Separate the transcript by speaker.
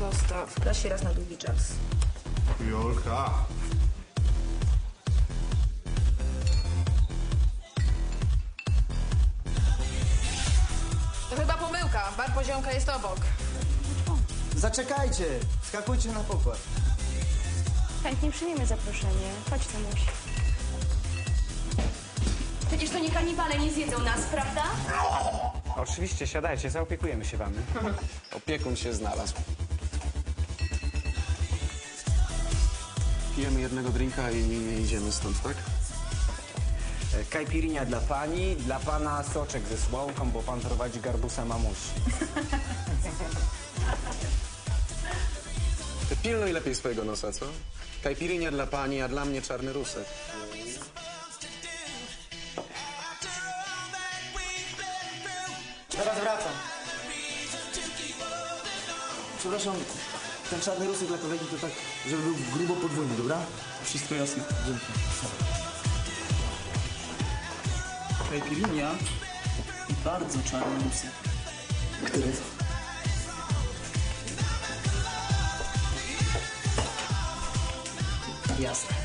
Speaker 1: prosta. W klasie raz na długi czas.
Speaker 2: Jolka.
Speaker 1: To chyba pomyłka. Bar Poziomka jest obok.
Speaker 3: Zaczekajcie! Skakujcie na pokład.
Speaker 4: Chętnie przyjmiemy zaproszenie. Chodź, Tomuś. Przecież to nie kanibale nie zjedzą nas, prawda?
Speaker 5: Oczywiście, siadajcie, zaopiekujemy się wami.
Speaker 6: Opiekun się znalazł. Pijemy jednego drinka i idziemy stąd, tak?
Speaker 5: Kajpirinia dla pani, dla pana soczek ze słomką, bo pan prowadzi garbusa mamusi.
Speaker 6: Ty pilnuj lepiej swojego nosa, co? Kajpirinia dla pani, a dla mnie czarny rusek.
Speaker 3: Zaraz wracam. Przepraszam, ten czarny rusek dla kolegi to tak, żeby był grubo podwójny, dobra?
Speaker 7: Wszystko jasne.
Speaker 3: Dzięki.
Speaker 7: Kajpirinia i bardzo czarny rusek.
Speaker 3: Który?
Speaker 7: Jasne.